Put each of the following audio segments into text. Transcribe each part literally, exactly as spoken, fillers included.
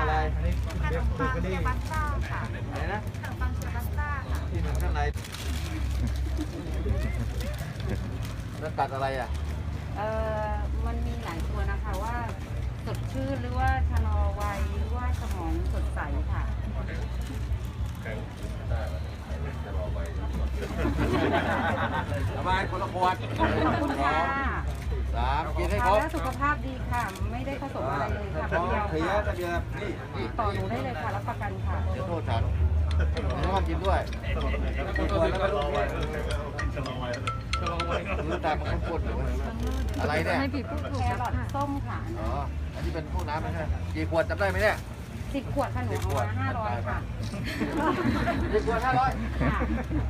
อะไรขนมปังเชียบัสต้าค่ะอะไรนะขนมปังเชียบัสต้าค่ะที่มันข้างในแล้วตัดอะไรอ่ะเอ่อมันมีหลายตัวนะคะว่าสดชื่นหรือว่าชะลอวัยหรือว่าสมองสดใสค่ะสบายคนละขวดขอบคุณค่ะสามกินให้ครทานบแล้วสุขภาพดีค่ะ ไม่ได้ผสมอะไรเลยค่ะท้องเดียวเสียค่ะก็เดียวนี่นี่ต่อหนูได้เลยค่ะรับประกันค่ะเดี๋ยวโทษฉันไม่ต้องกินด้วยขวดแล้วก็ลูกด้วยมือตามันข้นๆอยู่อะไรเนี่ยแครอทส้มค่ะอ๋อ อันนี้เป็นพวกน้ำไม่ใช่กี่ขวดจำได้ไหมเนี่ยสิบขวดค่ะหนูเอามาห้าร้อยค่ะสิบขวดห้าร้อยค่ะ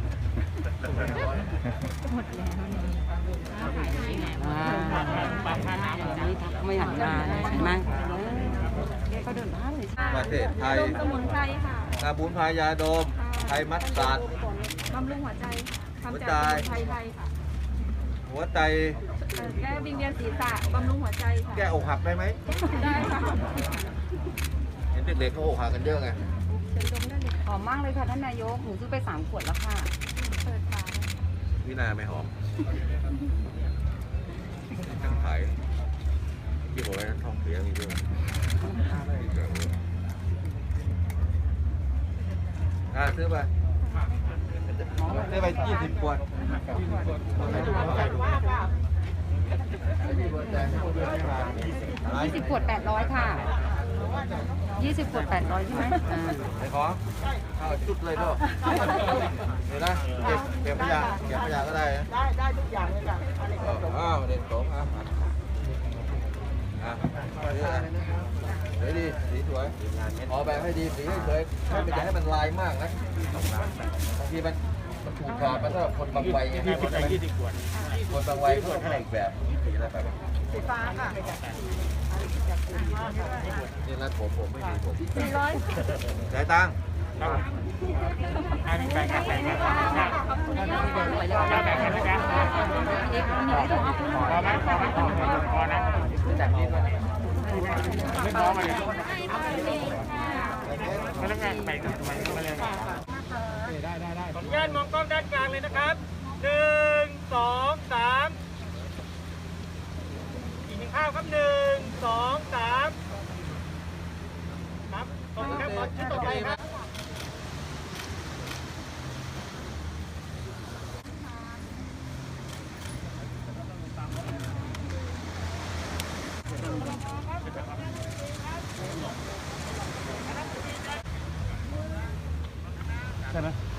ไม่หันหน้าเลยเห็นไหมแกก็เดินบ้านเลยประเทศไทยสมุนไพรค่ะกาบูนพายาโดม ไทยมัสตาร์ดบำรุงหัวใจทำหัวจากใจสมุนไพรไทยค่ะหัวใจเอ่อแก้วิงเวียนศีรษะบำรุงหัวใจค่ะแก้อกหักได้ไหมได้ค่ะเห็นเด็กๆเขาอกหักกันเยอะไงเชิญชมได้เลยหอมมากเลยค่ะท่านนายก หนูซื้อไปสามขวดแล้วค่ะเปิดฝาวินาไม่หอมทั้งขายที่บอกไว้ท้องเสียมีด้วยอ่าซื้อไปซื้อไปยี่สิบขวดยี่สิบขวดแปดร้อยค่ะยี่สิบขวดแปดร้อยใช่ไหมอ่าไอ้ของข้าวจุดเลยด้วยเดี๋ยวนะเก็บเก็บขยะเก็บขยะก็ได้นะได้ได้ทุกอย่างเลยจ้ะอะไรก็จบอ้าวเด็กสองอ่ะอ่ะเดี๋ยวดีสีสวยออกแบบให้ดีสีให้สวยไม่เป็นอย่าให้มันลายมากนะบางทีมันมันถูกขาดมันสำหรับคนบางวัยไงคนบางวัยเขาต้องอีกแบบสีอะไรแบบสีฟ้าค่ะนี่รัดผมผมไม่มีผมสี่ร้อยจ่ายตังค์ จากนี้มาไม่พอมาเลยพนักงานไปกับไปมาเลยได้ได้ได้ขออนุญาตมองกล้องด้านกลางเลยนะครับหนึ่งสองสามอีกหนึ่งข้าวครับหนึ่งสองสามครับขอบคุณครับขอชุดต่อไปครับใช่ไหม